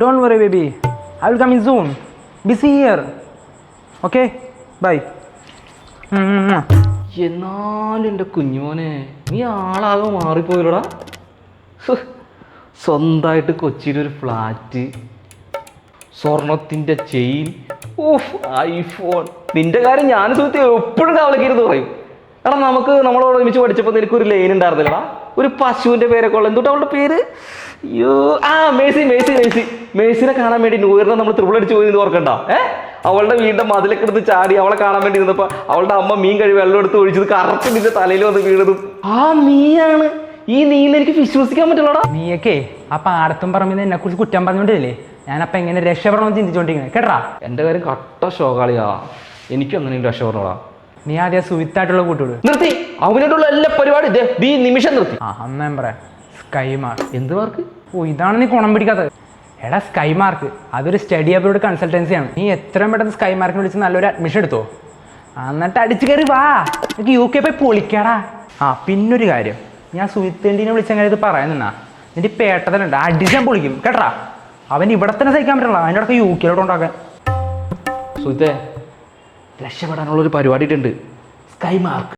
Don't worry, baby. I will come in soon. Busy here. Okay? Bye. എന്നാലും എൻ്റെ കുഞ്ഞുമോനെ നീ ആളാകെ മാറിപ്പോയില്ലടാ. സ്വന്തമായിട്ട് കൊച്ചിയിലൊരു ഫ്ലാറ്റ്, സ്വർണത്തിൻ്റെ ചെയിൻ, ഐഫോൺ. നിന്റെ കാര്യം ഞാൻ സുഹൃത്തി എപ്പോഴും കാവലക്കിരുന്ന് പറയും. എടാ നമ്മളോട് ഒരുമിച്ച് പഠിച്ചപ്പോൾ നിനക്കൊരു ലൈൻ ഉണ്ടായിരുന്നില്ലടാ, ഒരു പശുവിൻ്റെ പേരൊക്കെ ഉള്ള എന്തുകൊണ്ട് അവളുടെ പേര്? അയ്യോ, മേഴ്സിനെ കാണാൻ വേണ്ടി ന്യൂ ഇയറിനെ നമ്മൾ ത്രിപിൾ അടിച്ച് പോയി ഓർക്കണ്ട. അവളുടെ വീടിൻ്റെ മതിലൊക്കെ എടുത്ത് ചാടി അവളെ കാണാൻ വേണ്ടി നിന്നപ്പോൾ അവളുടെ അമ്മ മീൻ കഴിവ് വെള്ളം എടുത്ത് ഒഴിച്ചത് കറക്റ്റ് നിന്റെ തലയിൽ വന്ന് വീണതും നീയാണ്. ഈ നീന്ന് എനിക്ക് വിശ്വസിക്കാൻ പറ്റില്ലടാ. നീയൊക്കെ ആ പാടത്തും പറമ്പിൽ എന്നെ കുറിച്ച് കുറ്റം പറഞ്ഞോണ്ടില്ലേ, ഞാനപ്പം എങ്ങനെ രക്ഷപ്പെടണമെന്ന് ചിന്തിച്ചോണ്ടിരിക്കുന്നത് കേട്ടാ. എൻ്റെ കാര്യം കട്ട ഷോകാളിയാ, എനിക്കും അങ്ങനെ രക്ഷപ്പെടണോടാ. നീ ആദ്യം സുവിത്തായിട്ടുള്ള കൂട്ടുവിട്. നിർത്തി, അവനായിട്ടുള്ള എല്ലാ പരിപാടി ഈ നിമിഷം നിർത്തി. അന്ന് ഞാൻ പറയാം, സ്കൈ മാർക്ക്. എന്ത് മാർക്ക്? ഇതാണ് നീ കുണം പിടിക്കാത്തത്. എടാ, സ്കൈ മാർക്ക് അതൊരു സ്റ്റഡി അബ്രോഡ് കൺസൾട്ടൻസിയാണ്. നീ എത്രയും പെട്ടെന്ന് സ്കൈ മാർക്കിന് വിളിച്ച് നല്ലൊരു അഡ്മിഷൻ എടുത്തോ, എന്നിട്ട് അടിച്ചു കയറി വാ, എനിക്ക് UK പോയി പൊളിക്കാടാ. പിന്നൊരു കാര്യം, ഞാൻ സുഹിത്തേണ്ടിനെ വിളിച്ചങ്ങനെ ഇത് പറയാൻ നിന്നാ നിന്റെ പേട്ടതലുണ്ട്, അടിച്ചാൻ പൊളിക്കും കേട്ടാ. അവൻ ഇവിടെ തന്നെ സഹിക്കാൻ പറ്റില്ല, അതിൻ്റെ അടുത്ത് UK ഉണ്ടാക്കാൻ. സുഹിത്തേ, രക്ഷപ്പെടാനുള്ളൊരു പരിപാടി ഉണ്ട്, സ്കൈ മാർക്ക്.